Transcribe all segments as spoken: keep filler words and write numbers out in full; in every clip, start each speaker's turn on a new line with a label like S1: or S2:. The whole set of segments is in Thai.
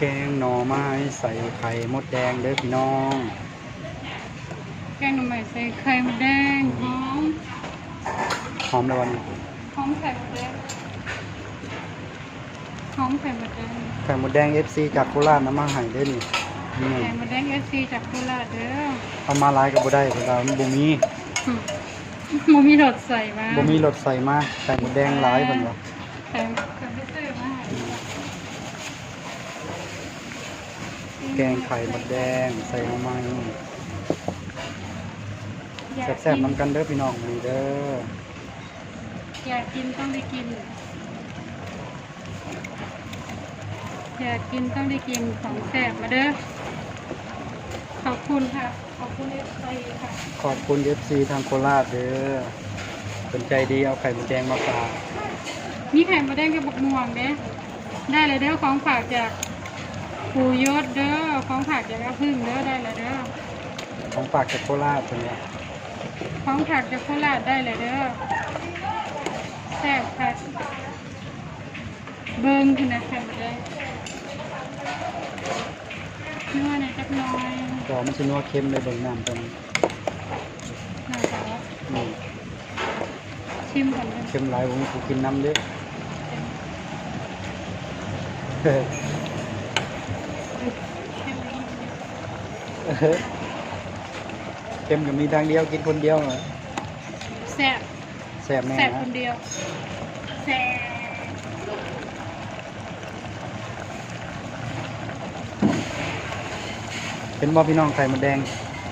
S1: กงหน่อไม้ใส่ไข่มดแดงเด้อพี่น้อง
S2: แกงหน่อไม้ใส่ไข่มดแดงหอม
S1: หอมแล้ววันนี้
S2: หอมไข่มดแดงหอมไข่มดแดง
S1: ไข่มดแดง เอฟ ซี จากโคราชนำมาให้เด้อนี่นี่
S2: ไข่มดแดง เอฟ ซี จากโคราชเด้อ
S1: เอามาหลายก็บ่ได้เพราะว่ามันบ่มี
S2: บ่มีรสใส่มา
S1: บ่มีรสใส่มาไข่มดแดงหลายเพิ่นว่า
S2: ไข่ก็ไม่ซื้อมา
S1: แกงไข่มดแดงใส่หน่อไม้แซ่บๆนำกันเด้อพี่น้องนี่เด้อ
S2: อยากกินต้องได้กินอยากกินต้องได้กินของแซ่บมาเด้อขอบคุณค่ะขอบคุณ เอฟ ซี ค่ะ
S1: ขอบคุณ เอฟ ซี ทางโคราชเด้อเป็นใจดีเอาไข่มดแดงมาฝาก
S2: มีไข่มดแดงกับบักม่วงเด้ได้เลยเด้อของฝากจากปู่ยศเด้อของฝากจากอาพึ่งเด้อได้เลยเด้อ
S1: ของฝากจากโคราชเพิ่นว่า
S2: ของฝากจากโคราชได้เลยเด้อแซ่บค่ะเบิ้งขึ้นนะไข่มดแดงนัวหน่อยจักหน่อย
S1: ก็มันสินัวเค็มเลยเบิ่งน้ำตรงนี้
S2: น่าจะ
S1: นี่
S2: ชิมก่อน
S1: เค็มหลายผมกูกินน้ำเด้อเค็มก็มีทางเดียวกินคนเดียวเหรอ
S2: แซ่บ
S1: แซ่บแน่
S2: แซ่บคนเดียวแซ่บ
S1: เป็นบ่พี่น้องไข่มดแดง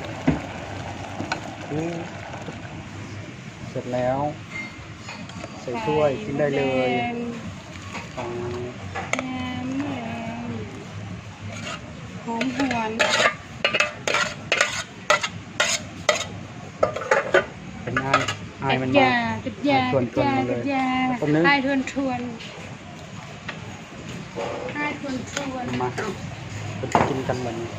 S1: เสร็จแล้วใส่ถ้วยกินได้เลยของ
S2: แหนมแหนมหอมหวน
S1: เป็นง่ายง่ายมัน
S2: ยาจุดยาจุดยาจุดยาไอ้ทวนทวนไอ้ทวนทวน
S1: มาเป็นกินกันวันนี้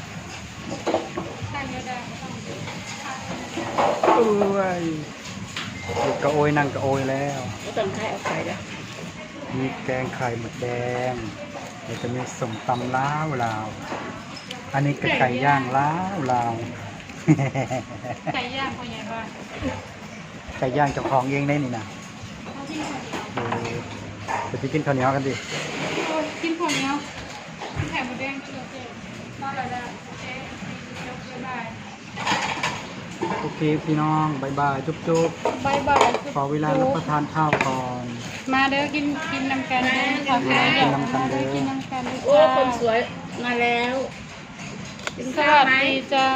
S1: เอ้ยกระโอยนั่งกระโอยแล้ว
S3: ต้องให้เอาไข่แล้ว
S1: มีแกงไข่หมดแดงเดี๋ยวจะมีส้มตำล้าวลาวอันนี้ก็ไก่ย่างล้าวลาว
S2: ไก่ย่างคนใหญ่บ้าน
S1: ไก่ย่างเจ้าของเองได้นี่นะเออจะกินข้าวเหนียวกันดิ
S2: กินข้าวเหนียวกินไข่หมดแดงกินโอเคมาแล้วนะโอเคยกบ๊ายบาย
S1: โอเคพี่น้องบายบายจุ๊บจุ๊บบ
S2: ายบาย
S1: ขอเวลารับประทานข้าวก่อน
S2: มาเด้อกินกินน้ำกันเด้อขอเวลากินน้ำกันเด้อกินน้ำกันเด้อ
S3: โอ้คนสวยมาแล้ว
S2: สวัสดีจ้า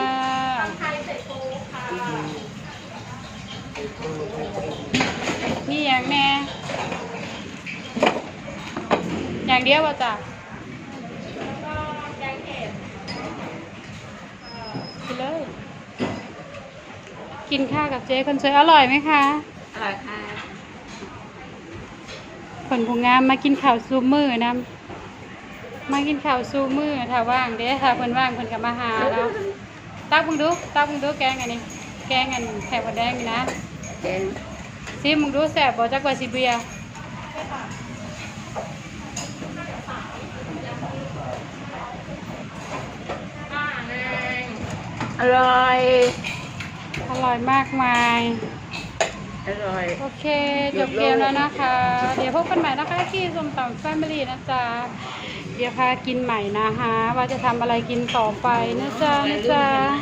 S2: นี่อย่างแน่อย่างเดียวป่ะจ้ะกินเลยกินข้าวกับเจ๊คนสวยอร่อยไหมคะ
S3: อร่อยค่ะ
S2: คนผู้งามมากินข้าวซูมือนะมากินข้าวซูมือถ้าว่างเด้ถ้าเพิ่นว่างเพิ่นก็มาหาแล้วตักมึงดูตักมึงดูแกงอันนี้แกงอันไข่มดแดงนี่นะ
S3: แกง
S2: ซิมึงดูแซ่บบ่จักว่าสิเบีย
S3: อร่อย
S2: อร่อยมากมาย
S3: อร่อย
S2: โอเคจบเกมแล้วนะคะเดี๋ยวพบกันใหม่นะคะที่ส้มตำแฟมิลี่นะจ๊ะเดี๋ยวพากินใหม่นะคะว่าจะทำอะไรกินต่อไปนะจ๊ะนะจ๊ะ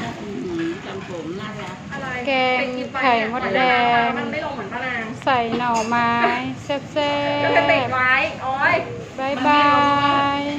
S2: แกงไข่มดแดงใส่หน่อไม้แซ่บๆบ๊ายบาย